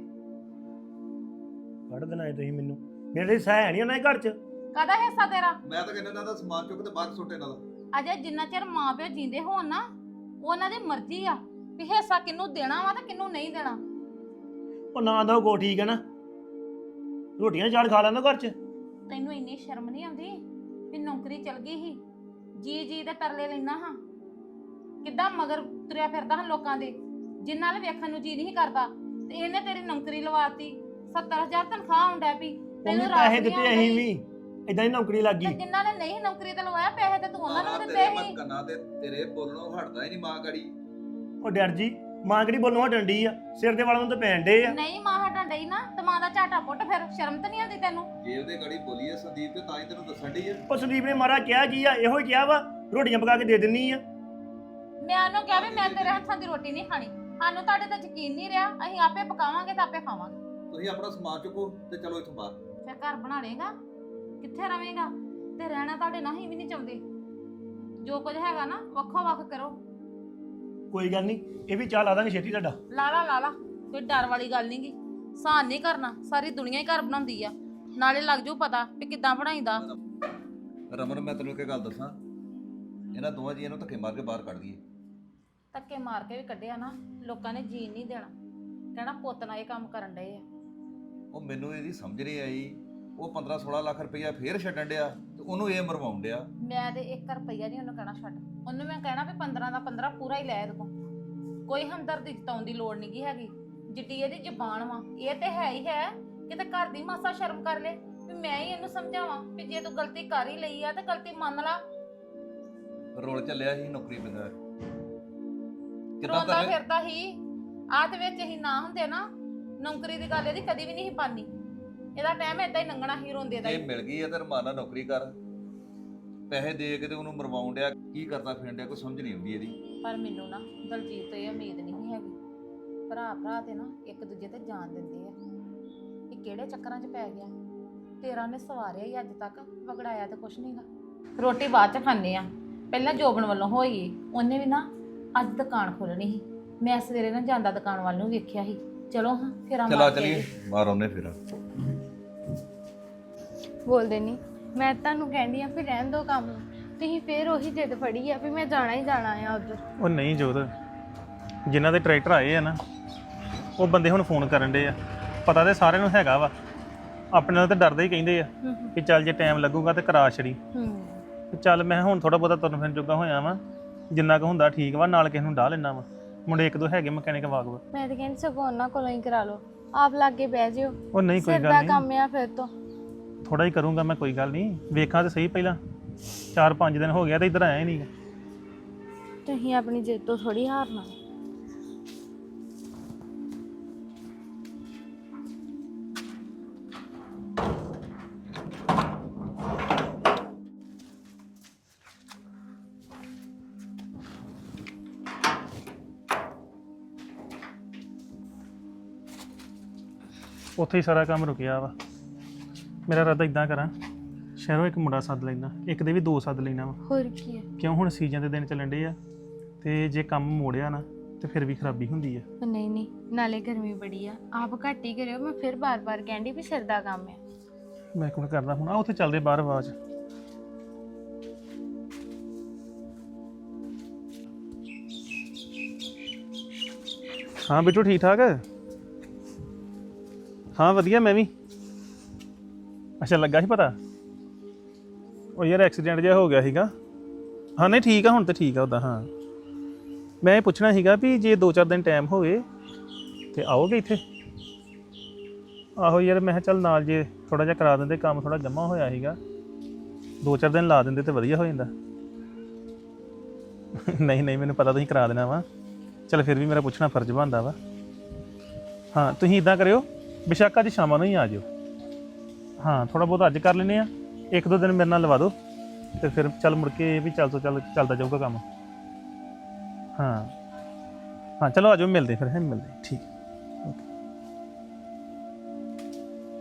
ਕੱਢ ਦੇਣਾ ਤੁਸੀਂ ਮੈਨੂੰ। ਮੇਰੇ ਸਹਿ ਹੈ ਨਹੀਂ ਉਹਨਾਂ ਦੇ ਘਰ 'ਚ।
ਕਾਹਦਾ ਹਿੱਸਾ ਤੇਰਾ?
ਮੈਂ ਤਾਂ ਕਹਿੰਦਾ ਇਹਨਾਂ ਦਾ ਸਮਾਨ ਚੁੱਕ ਤੇ ਬਾਹਰ ਸੁੱਟ ਇਹਨਾਂ ਦਾ।
ਅਜੇ ਜਿੰਨਾ ਚਿਰ ਮਾਂ ਪਿਓ ਜਿੰਦੇ ਹੋਣ ਨਾ, ਉਹਨਾਂ ਦੀ ਮਰਜ਼ੀ ਆ ਵੀ ਹਿੱਸਾ ਕਿਹਨੂੰ ਦੇਣਾ ਵਾ ਤੇ ਕਿਹਨੂੰ ਨਹੀਂ ਦੇਣਾ।
ਉਹ ਨਾ ਦਾ ਕੋ ਠੀਕ ਹੈ ਨਾ, ਰੋਟੀਆਂ ਚਾੜ ਖਾ ਲੈਂਦਾ ਘਰ 'ਚ।
ਤੈਨੂੰ ਇੰਨੀ ਸ਼ਰਮ ਨਹੀਂ ਆਉਂਦੀ ਵੀ ਨੌਕਰੀ ਚਲ ਗਈ ਸੀ, ਜੀ ਜੀ ਦੇ ਤਰਲੇ ਲੈਣਾ ਹਾਂ। ਕਿੱਦਾਂ ਮਗਰ ਤੁਰਿਆ ਫਿਰਦਾ ਹਾਂ ਲੋਕਾਂ ਦੇ, ਜਿਨ੍ਹਾਂ ਨਾਲ ਵੇਖਣ ਨੂੰ ਜੀ ਨਹੀਂ ਕਰਦਾ, ਤੇ ਇਹਨੇ ਤੇਰੀ ਨੌਕਰੀ ਲਵਾਤੀ। 70,000 ਤਨਖਾਹ ਆਉਂਦਾ ਪਈ,
ਉਹਨੇ ਪੈਸੇ ਦਿੱਤੇ ਅਸੀਂ ਵੀ, ਇਦਾਂ ਹੀ ਨੌਕਰੀ ਲੱਗ
ਤੇ
ਗਈ।
ਜਿਨ੍ਹਾਂ ਨੇ ਨਹੀਂ ਨੌਕਰੀ ਤੇ ਲਵਾਇਆ ਪੈਸੇ ਤੇ ਤੂੰ ਉਹਨਾਂ ਨੂੰ
ਮਾਂ
ਦਿੱਤੇ
ਤੇਰੇ
ਸੀ।
ਮਤ ਕੰਨਾਂ ਤੇ ਤੇਰੇ ਬੋਲਣੋਂ ਹਟਦਾ ਹੀ ਨਹੀਂ ਮਾਂ ਗੜੀ।
ਉਹ ਡਰ ਜੀ, ਮਾਂ ਕਿਹੜੀ ਬੋਲਣੋਂ ਹਟਣ ਡਈ ਆ? ਸਿਰ ਦੇ ਵਾਲਾਂ ਨੂੰ ਤਾਂ ਪੈਣ ਡੇ ਆ।
ਨਹੀਂ ਮਾਂ ਹਟਣ ਡਈ ਨਾ ਤੇ ਮਾਂ ਦਾ ਝਾਟਾ ਪੁੱਟ, ਫਿਰ ਸ਼ਰਮ ਤਾਂ ਨਹੀਂ ਆਉਂਦੀ ਤੈਨੂੰ?
ਜੇ ਉਹਦੇ ਗੜੀ ਬੋਲੀ ਐ ਸੰਦੀਪ ਤੇ ਤਾਂ ਹੀ ਤੈਨੂੰ ਦੱਸਣ ਡਈ ਆ।
ਉਹ ਸੰਦੀਪ ਨੇ ਮਾਰਾ ਕਿਹਾ ਕੀ ਆ? ਇਹੋ ਹੀ ਕਿਹਾ ਵਾ ਰੋਟੀਆਂ ਪਕਾ ਕੇ ਦੇ ਦਿੰਨੀ ਆ।
ਮੈਂ ਉਹਨੂੰ ਕਿਹਾ ਵੀ ਮੈਂ ਤੇਰੇ ਹੱਥਾਂ ਦੀ ਰੋਟੀ ਨਹੀਂ ਖਾਣੀ। ਸਾਨੂੰ ਤੁਹਾਡੇ ਤੇ ਯਕੀਨ ਨਹੀਂ ਰਿਹਾ, ਅਸੀਂ ਆਪੇ ਪਕਾਵਾਂਗੇ ਤੇ ਆਪੇ ਖਾਵਾਂਗੇ।
ਤੁਸੀਂ ਆਪਣਾ ਸਮਾਨ ਚੁੱਕੋ ਤੇ ਚਲੋ ਇੱਥੋਂ ਬਾਹਰ।
ਫਿਰ ਘਰ ਬਣਾ ਲੇਗਾ, ਕਿੱਥੇ ਰਵੇਂਗਾ? ਤੇ ਰਹਿਣਾ ਤੁਹਾਡੇ ਨਾਲ ਹੀ ਵੀ ਨਹੀਂ ਚਾਹੁੰਦੇ। ਜੋ ਕੁਝ ਹੈਗਾ ਨਾ ਵੱਖੋ ਵੱਖ ਕਰੋ।
ਕੋਈ ਗੱਲ ਨਹੀਂ, ਇਹ ਵੀ ਚਾਹ ਲਾ ਦਾਂਗੇ ਛੇਤੀ ਤੁਹਾਡਾ।
ਲਾ ਲਾ, ਕੋਈ ਡਰ ਵਾਲੀ ਗੱਲ ਨਹੀਂਗੀ। ਸਾਨ ਨਹੀਂ ਕਰਨਾ, ਸਾਰੀ ਦੁਨੀਆ ਹੀ ਘਰ ਬਣਾਉਂਦੀ ਆ। ਨਾਲੇ ਲੱਗ ਜੂ ਪਤਾ ਵੀ ਕਿੱਦਾਂ ਬਣਾਈਦਾ।
ਰਮਨ ਮੈਂ ਤੈਨੂੰ ਇੱਕ ਗੱਲ ਦੱਸਾਂ, ਇਹਨਾਂ ਦੋਵਾਂ ਜੀਆਂ ਨੂੰ ਧੱਕੇ ਮਾਰ ਕੇ ਬਾਹਰ ਕੱਢ ਦਈਏ।
ਧੱਕੇ ਮਾਰ ਕੇ ਵੀ ਕੱਢਿਆ ਨਾ, ਲੋਕਾਂ ਨੇ ਜੀਣ ਨਹੀਂ ਦੇਣਾ, ਕਹਿਣਾ ਪੁੱਤ ਨਾਲ ਇਹ ਕੰਮ ਕਰਨ ਡਏ ਆ।
ਉਹ ਮੈਨੂੰ ਇਹਦੀ ਸਮਝ ਨਹੀਂ ਆਈ। ਉਹ 15-16 ਲੱਖ ਰੁਪਈਆ ਫੇਰ ਛੱਡਣ ਡਿਆ ਤੇ ਉਹਨੂੰ ਇਹ ਮਰਵਾਉਣ ਡਿਆ।
ਮੈਂ ਤੇ 1 ਰੁਪਈਆ ਨਹੀਂ ਉਹਨੂੰ ਕਹਿਣਾ ਛੱਡ। ਉਹਨੂੰ ਮੈਂ ਕਹਿਣਾ ਵੀ 15 ਦਾ 15 ਪੂਰਾ ਹੀ ਲੈ ਇਹਦੇ ਕੋਲ। ਕੋਈ ਹਮਦਰਦੀ ਜਤਾਉਣ ਦੀ ਲੋੜ ਨਹੀਂ ਗੀ ਹੈਗੀ। ਜਿੱਡੀ ਇਹਦੀ ਜ਼ਬਾਨ ਵਾ, ਇਹ ਤੇ ਹੈ ਹੀ ਹੈ। ਕਿਤੇ ਘਰ ਦੀ ਮਾਸਾ ਸ਼ਰਮ ਕਰ ਲੈ ਵੀ ਮੈਂ ਹੀ ਇਹਨੂੰ ਸਮਝਾਵਾਂ ਵੀ ਜੇ ਤੂੰ ਗਲਤੀ ਕਰ ਹੀ ਲਈ ਆ ਤੇ ਗਲਤੀ ਮੰਨ ਲਾ।
ਰੋਲ ਚੱਲਿਆ ਸੀ ਨੌਕਰੀ ਬਗੈਰ। ਕਿੱਦਾਂ
ਰੋਂਦਾ
ਕਰ
ਫਿਰਦਾ ਹੀ ਆਹ ਦੇ ਵਿੱਚ ਹੀ ਨਾ ਹੁੰਦੇ ਨਾ, ਨੌਕਰੀ ਦੀ ਗੱਲ ਇਹਦੀ ਕਦੀ ਵੀ ਨਹੀਂ ਸੀ ਪਾਨੀ। ਇਹਦਾ ਟਾਈਮ ਏਦਾਂ ਹੀ ਲੰਘਣਾ ਹੀ ਰੋਂਦੇ ਦਾ
ਜੇ
ਹੀ।
ਮਿਲ ਗਈ ਹੈ ਤੇ ਰਮਾਨਾ ਨੌਕਰੀ ਕਰ। ਪੈਸੇ ਦੇ ਕੇ ਤੇ ਉਹਨੂੰ ਮਰਵਾਉਣ ਡਿਆ, ਕੀ ਕਰਦਾ ਫਿਰਨ ਡਿਆ, ਕੋਈ ਸਮਝ ਨਹੀਂ ਆਉਂਦੀ ਇਹਦੀ।
ਪਰ ਮੈਨੂੰ ਨਾ ਦਲਜੀਤ ਤੋਂ ਇਹ ਉਮੀਦ ਨਹੀਂ ਹੈਗੀ। ਭਰਾ ਤੇ ਨਾ ਇੱਕ ਦੂਜੇ ਤੇ ਜਾਨ ਦਿੰਦੇ ਆ। ਇਹ ਕਿਹੜੇ ਚੱਕਰਾਂ 'ਚ ਪੈ ਗਿਆ? ਤੇਰਾ ਨੇ ਸਵਾਰਿਆ ਹੀ ਅੱਜ ਤੱਕ, ਵਗੜਾਇਆ ਤੇ ਕੁਛ ਨਹੀਂਗਾ। ਰੋਟੀ ਬਾਅਦ 'ਚ ਖਾਂਦੇ ਆ, ਪਹਿਲਾਂ ਜੋਬਨ ਵੱਲੋਂ ਹੋਈ। ਉਹਨੇ ਵੀ ਨਾ ਅੱਜ ਦੁਕਾਨ ਖੋਲਣੀ ਸੀ। ਮੈਂ ਸਵੇਰੇ ਨਾ ਜਾਂਦਾ ਦੁਕਾਨ ਵੱਲ ਨੂੰ ਵੇਖਿਆ ਸੀ। ਚਲੋ ਹਾਂ ਫਿਰ
ਚਲਾ ਚਲੀਏ ਮਾਰ ਆਉਨੇ ਫਿਰ।
ਬੋਲਦੇ ਨਹੀਂ, ਮੈਂ ਤੁਹਾਨੂੰ ਕਹਿੰਦੀ ਆ ਵੀ ਰਹਿਣ ਦੋ ਕੰਮ ਨੂੰ। ਤੁਸੀਂ ਫੇਰ ਉਹੀ ਜਿੱਦ ਫੜੀ ਆ ਵੀ ਮੈਂ ਜਾਣਾ ਹੀ ਜਾਣਾ ਆ ਉਧਰ।
ਉਹ ਨਹੀਂ ਜੋਤ, ਜਿਨ੍ਹਾਂ ਦੇ ਟਰੈਕਟਰ ਆਏ ਆ ਨਾ, ਉਹ ਬੰਦੇ ਹੁਣ ਫੋਨ ਕਰਨ ਦੇ ਆ। ਪਤਾ ਤੇ ਸਾਰਿਆਂ ਨੂੰ ਹੈਗਾ ਵਾ, ਆਪਣੇ ਨਾਲ ਤਾਂ ਡਰਦੇ ਹੀ ਕਹਿੰਦੇ ਆ ਕਿ ਚੱਲ ਜੇ ਟਾਈਮ ਲੱਗੂਗਾ ਤੇ ਕਰਾ ਛੜੀ। ਤੇ ਚੱਲ ਮੈਂ ਹੁਣ ਥੋੜਾ ਬਹੁਤਾ ਤੁਰਨ ਫਿਰਨ ਜੋਗਾ ਹੋਇਆ ਵਾਂ, ਜਿੰਨਾ ਕੁ ਹੁੰਦਾ ਠੀਕ ਵਾ। ਨਾਲ ਕਿਸੇ ਨੂੰ ਡਾਹ ਲੈਣਾ ਵਾ, ਮੁੰਡੇ 1-2 ਹੈਗੇ ਮਕੈਨਿਕ ਵਾਗਵਾ।
ਮੈਂ ਤਾਂ ਕਹਿੰਦੀ ਸਗੋਂ ਉਹਨਾਂ ਕੋਲੋਂ ਹੀ ਕਰਾ ਲਓ, ਆਪ ਲਾਗੇ ਬਹਿ ਜਿਓ।
ਉਹ ਨਹੀਂ ਕੋਈ
ਸਿਰ
ਗੱਲ
ਦਾ
ਨਹੀਂ,
ਕੰਮ ਆ ਫਿਰ ਤੋਂ।
ਥੋੜਾ ਹੀ ਕਰੂੰਗਾ ਮੈਂ, ਕੋਈ ਗੱਲ ਨਹੀਂ। ਵੇਖਾਂ ਤੇ ਸਹੀ, ਪਹਿਲਾਂ 4-5 ਦਿਨ ਹੋ ਗਿਆ ਤੇ ਇੱਧਰ ਆਇਆ ਹੀ ਨਹੀਂ।
ਤੁਸੀਂ ਆਪਣੀ ਜਿੱਦ ਤੋਂ ਥੋੜੀ ਹਾਰਨਾ।
ਉੱਥੇ ਹੀ ਸਾਰਾ ਕੰਮ ਰੁਕਿਆ ਵਾ। ਮੇਰਾ ਇਰਾਦਾ ਇਦਾਂ ਕਰਾਂ, ਸ਼ਹਿਰੋਂ ਇੱਕ ਮੁੰਡਾ ਸੱਦ ਲੈਣਾ, ਇੱਕ ਦੇ ਵੀ 2 ਸੱਦ ਲੈਣਾ ਵਾ।
ਹੋਰ ਕੀ ਹੈ?
ਕਿਉਂ ਹੁਣ ਸੀਜ਼ਨ ਦੇ ਦਿਨ ਚੱਲਣ ਡੇ ਆ, ਤੇ ਜੇ ਕੰਮ ਮੋੜਿਆ ਨਾ ਤੇ ਫਿਰ ਵੀ ਖਰਾਬੀ ਹੁੰਦੀ ਆ।
ਨਹੀਂ, ਨਾਲੇ ਗਰਮੀ ਬੜੀ ਆ, ਆਪ ਘੱਟ ਹੀ ਕਰਿਓ। ਮੈਂ ਫਿਰ ਬਾਰ-ਬਾਰ ਕਹਿੰਦੀ ਵੀ ਸਿਰ ਦਾ ਕੰਮ ਆ।
ਮੈਂ ਕੋਣ ਕਰਦਾ ਹੁਣ। ਆ ਉੱਥੇ ਚੱਲਦੇ ਬਾਹਰ ਆਵਾਜ਼। ਹਾਂ ਬਿੱਟੂ ਠੀਕ ਠਾਕ? ਹਾਂ ਵਧੀਆ, ਮੈਂ ਵੀ। ਅੱਛਾ ਲੱਗਾ ਸੀ ਪਤਾ? ਉਹ ਯਾਰ ਐਕਸੀਡੈਂਟ ਜਿਹਾ ਹੋ ਗਿਆ ਸੀਗਾ। ਹਾਂ ਨਹੀਂ ਠੀਕ ਆ, ਹੁਣ ਤਾਂ ਠੀਕ ਆ ਉੱਦਾਂ। ਹਾਂ ਮੈਂ ਇਹ ਪੁੱਛਣਾ ਸੀਗਾ ਵੀ ਜੇ 2-4 ਦਿਨ ਟਾਈਮ ਹੋਵੇ ਤੇ ਆਓਗੇ ਇੱਥੇ? ਆਹੋ ਯਾਰ ਮੈਂ ਕਿਹਾ ਚੱਲ ਨਾਲ ਜੇ ਥੋੜਾ ਜਿਹਾ ਕਰਾ ਦਿੰਦੇ, ਕੰਮ ਥੋੜਾ ਜਮਾ ਹੋਇਆ ਸੀਗਾ। 2-4 ਦਿਨ ਲਾ ਦਿੰਦੇ ਤੇ ਵਧੀਆ ਹੋ ਜਾਂਦਾ। ਨਹੀਂ ਮੈਨੂੰ ਪਤਾ ਤੁਸੀਂ ਕਰਾ ਦੇਣਾ ਵਾ। ਚੱਲ ਫਿਰ ਵੀ ਮੇਰਾ ਪੁੱਛਣਾ ਫਰਜ਼ ਬਣਦਾ ਵਾ। ਹਾਂ ਤੁਸੀਂ ਇਦਾਂ ਕਰਿਓ, ਬੇਸ਼ੱਕ ਅੱਜ ਸ਼ਾਮਾਂ ਨੂੰ ਹੀ ਆ ਜਿਓ। ਹਾਂ ਥੋੜਾ ਬਹੁਤ ਅੱਜ ਕਰ ਲੈਂਦੇ ਆ, 1-2 ਦਿਨ ਮੇਰੇ ਨਾਲ ਲਵਾ ਦਿਓ ਤੇ ਫਿਰ ਚੱਲ ਮੁੜ ਕੇ ਵੀ ਚੱਲਦਾ ਜਾਊਗਾ ਕੰਮ। ਹਾਂ ਚਲੋ ਆ ਜਾਓ, ਮਿਲਦੇ ਫਿਰ। ਮਿਲਦੇ ਠੀਕ। ਓਕੇ।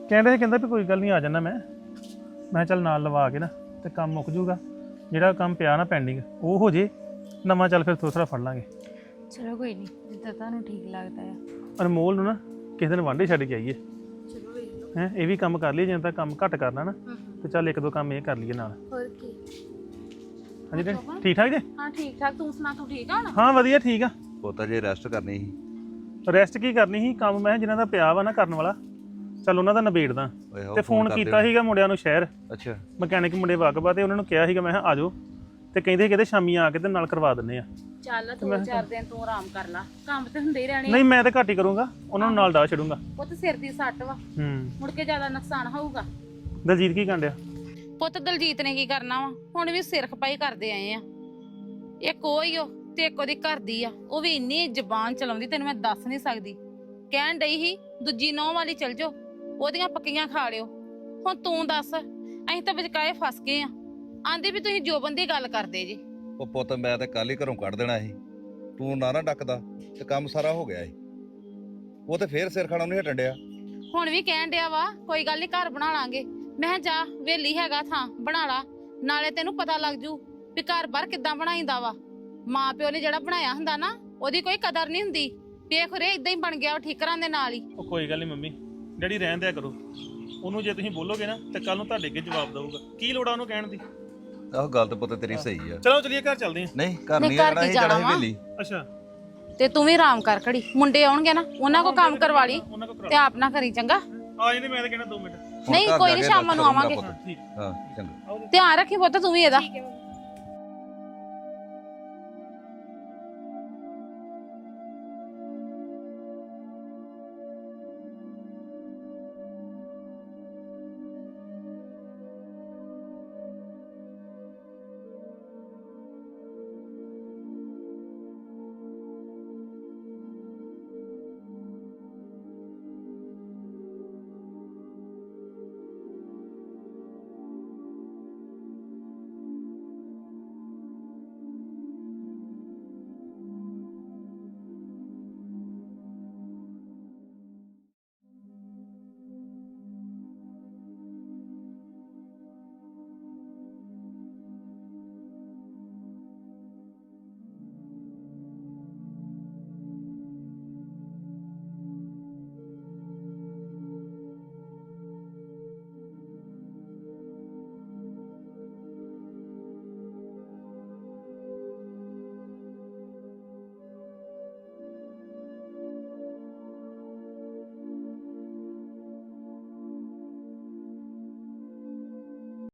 ਕਹਿੰਦਾ ਵੀ ਕੋਈ ਗੱਲ ਨਹੀਂ ਆ ਜਾਣਾ ਮੈਂ ਕਿਹਾ ਚੱਲ ਨਾਲ ਲਵਾ ਕੇ ਨਾ ਤੇ ਕੰਮ ਮੁੱਕ ਜੂਗਾ, ਜਿਹੜਾ ਕੰਮ ਪਿਆ ਨਾ ਪੈਂਡਿੰਗ ਉਹ ਹੋ ਜੇ, ਨਵਾਂ ਚੱਲ ਫਿਰ ਦੂਸਰਾ ਫੜ ਲਾਂਗੇ।
ਚਲੋ ਕੋਈ ਨਹੀਂ, ਜਿੱਦਾਂ ਤੁਹਾਨੂੰ ਠੀਕ ਲੱਗਦਾ ਆ।
ਅਨਮੋਲ ਨੂੰ ਨਾ ਕਿਸੇ ਦਿਨ ਵਾਂਢੇ ਛੱਡ ਕੇ ਆਈਏ
ਚਲੋ ਵੇਖ ਲਓ।
ਹੈ, ਇਹ ਵੀ ਕੰਮ ਕਰ ਲਈਏ, ਜਿਵੇਂ ਤਾਂ ਕੰਮ ਘੱਟ ਕਰਨਾ ਨਾ ਤੇ ਚੱਲ ਇੱਕ ਦੋ ਕੰਮ ਇਹ ਕਰ ਲਈਏ ਨਾਲ।
ਹੋਰ ਕੀ।
ਹਾਂਜੀ ਡੈਡੀ, ਠੀਕ ਠਾਕ ਜੀ?
ਹਾਂ ਠੀਕ ਠਾਕ, ਤੂੰ ਸੁਣਾ, ਤੂੰ ਠੀਕ ਆ ਹੁਣ?
ਹਾਂ ਵਧੀਆ ਠੀਕ ਆ।
ਪੁੱਤ ਜੇ ਰੈਸਟ ਕਰਨੀ ਸੀ।
ਰੈਸਟ ਕੀ ਕਰਨੀ ਸੀ, ਕੰਮ ਮੈਂ ਜਿਨ੍ਹਾਂ ਦਾ ਪਿਆ ਵਾ ਨਾ ਕਰਨ ਵਾਲਾ, ਚੱਲ ਉਹਨਾਂ ਦਾ ਨਿਬੇੜਦਾ।
ਓਏ ਹੋ
ਤੇ ਫੋਨ ਕੀਤਾ ਸੀਗਾ ਮੁੰਡਿਆਂ ਨੂੰ ਸ਼ਹਿਰ,
ਅੱਛਾ
ਮਕੈਨਿਕ ਮੁੰਡੇ ਵਾਕਬਾ, ਤੇ ਉਹਨਾਂ ਨੂੰ ਕਿਹਾ ਸੀਗਾ ਮੈਂ ਕਿਹਾ ਆ ਜਾਓ, ਤੇ ਕਹਿੰਦੇ ਕਿਤੇ ਸ਼ਾਮੀ ਆ ਕੇ ਤੇ ਨਾਲ ਕਰਵਾ ਦਿੰਦੇ ਆ।
ਚੱਲ 2-4 ਦਿਨ ਤੂੰ ਆਰਾਮ ਕਰ ਲਾ, ਕੰਮ ਤੇ ਹੁੰਦੇ ਹੀ ਰਹਿਣੇ।
ਨਹੀਂ ਮੈਂ ਤਾਂ ਘੱਟ ਹੀ ਕਰੂੰਗਾ, ਉਹਨਾਂ ਨੂੰ ਨਾਲ ਡਾ ਛੱਡੂੰਗਾ।
ਪੁੱਤ ਸਿਰ ਦੀ ਸੱਟ ਵਾ, ਮੁੜ ਕੇ ਜ਼ਿਆਦਾ ਨੁਕਸਾਨ ਹੋਊਗਾ।
ਦਲਜੀਤ ਕੀ ਕਰਨ ਡਿਆ?
ਪੁੱਤ ਦਲਜੀਤ ਨੇ ਕੀ ਕਰਨਾ ਵਾ, ਹੁਣ ਵੀ ਸਿਰ ਖਪਾਈ ਕਰਦੇ ਆਏ ਆ। ਇੱਕ ਉਹ ਹੀ ਉਹ ਤੇ ਇੱਕ ਉਹਦੀ ਘਰ ਦੀ ਆ, ਉਹ ਵੀ ਇੰਨੀ ਜ਼ਬਾਨ ਚਲਾਉਂਦੀ ਤੈਨੂੰ ਮੈਂ ਦੱਸ ਨਹੀਂ ਸਕਦੀ। ਕਹਿਣ ਡਈ ਸੀ ਦੂਜੀ ਨੌਂ ਵਾਲੀ ਚਲ ਜਾਓ, ਉਹਦੀਆਂ ਪੱਕੀਆਂ ਖਾ ਲਿਓ। ਹੁਣ ਤੂੰ ਦੱਸ, ਅਸੀਂ ਤਾਂ ਵਿਚਕਾਏ ਫਸ ਗਏ ਆ। ਆਂਦੀ ਵੀ ਤੁਸੀਂ ਜੋਬਨ ਦੀ ਗੱਲ ਕਰਦੇ ਜੀ।
ਉਹ ਪੁੱਤ ਮੈਂ ਤਾਂ ਕੱਲ ਹੀ ਘਰੋਂ ਕੱਢ ਦੇਣਾ ਸੀ, ਤੂੰ ਨਾ ਡੱਕਦਾ ਤੇ ਕੰਮ ਸਾਰਾ ਹੋ ਗਿਆ ਸੀ। ਉਹ ਤੇ ਫੇਰ ਸਿਰ ਖਾਣੋਂ ਨਹੀਂ ਹਟਣ ਡਿਆ।
ਹੁਣ ਵੀ ਕਹਿਣ ਡਿਆ ਵਾ ਕੋਈ ਗੱਲ ਨਹੀਂ ਘਰ ਬਣਾ ਲਾਂਗੇ। ਮੈਂ ਕਿਹਾ ਜਾ ਵੇਲੀ ਹੈਗਾ ਥਾਂ ਬਣਾ ਲਾ, ਨਾਲੇ ਤੈਨੂੰ ਪਤਾ ਲੱਗ ਜੂ ਵੀ ਘਰ ਬਾਰ ਕਿੱਦਾਂ ਬਣਾਈਂਦਾ ਵਾ। ਮਾਂ ਪਿਓ ਨੇ ਜਿਹੜਾ ਬਣਾਇਆ ਹੁੰਦਾ ਨਾ, ਉਹਦੀ ਕੋਈ ਕਦਰ ਨਹੀਂ ਹੁੰਦੀ। ਵੇਖ ਰੇ ਇਦਾਂ ਹੀ ਬਣ ਗਿਆ ਉਹ ਠੀਕਰਾਂ ਦੇ ਨਾਲ ਹੀ।
ਉਹ ਕੋਈ ਗੱਲ ਨਹੀਂ ਮੰਮੀ ਡੈਡੀ ਰਹਿਣ ਦਿਆ ਕਰੋ ਉਹਨੂੰ, ਜੇ ਤੁਸੀਂ ਬੋਲੋਗੇ ਨਾ ਤੇ ਕੱਲ ਨੂੰ ਤੁਹਾਡੇ ਅੱਗੇ ਜਵਾਬ ਦਊਗਾ। ਕੀ ਲੋੜ ਆ ਉਹਨੂੰ ਕਹਿਣ ਦੀ?
ਆਹ ਗੱਲ ਤਾਂ ਪੁੱਤ ਤੇਰੀ ਸਹੀ ਆ।
ਚਲੋ ਚਲੀਏ ਘਰ ਚੱਲਦੇ ਆ।
ਨਹੀਂ ਘਰ
ਨਹੀਂ,
ਨਹੀਂ
ਘਰ
ਜਾਣਾ,
ਕੀ
ਇਹ ਜਾਣਾ
ਜਾਣਾ
ਸੀ
ਵਾ?
ਵੇਲੀ।
ਅੱਛਾ
ਤੇ ਤੂੰ ਵੀ ਆਰਾਮ ਕਰ ਘੜੀ, ਮੁੰਡੇ ਆਉਣਗੇ ਨਾ ਉਹਨਾਂ ਕੋ ਕੰਮ ਕਰਵਾ ਲਈ
ਉਹਨਾਂ ਕੋ
ਤੇ ਆਪ ਨਾ ਕਰੀ, ਚੰਗਾ?
ਆ ਜਾਂਦੇ, ਮੈਂ ਤਾਂ ਕਹਿਣਾ 2 ਮਿੰਟ।
ਹੁਣ
ਨਹੀਂ,
ਘਰ
ਕੋਈ
ਜਾ
ਨੀ,
ਕੇ
ਸ਼ਾਮਾਂ ਨੂੰ
ਰੈਸਟ ਕਰੂੰਗਾ
ਆਵਾਂਗੇ।
ਪੁੱਤ। ਹਾਂ ਚੰਗਾ।
ਧਿਆਨ ਰੱਖੀ ਪੁੱਤ ਤੂੰ ਵੀ ਇਹਦਾ।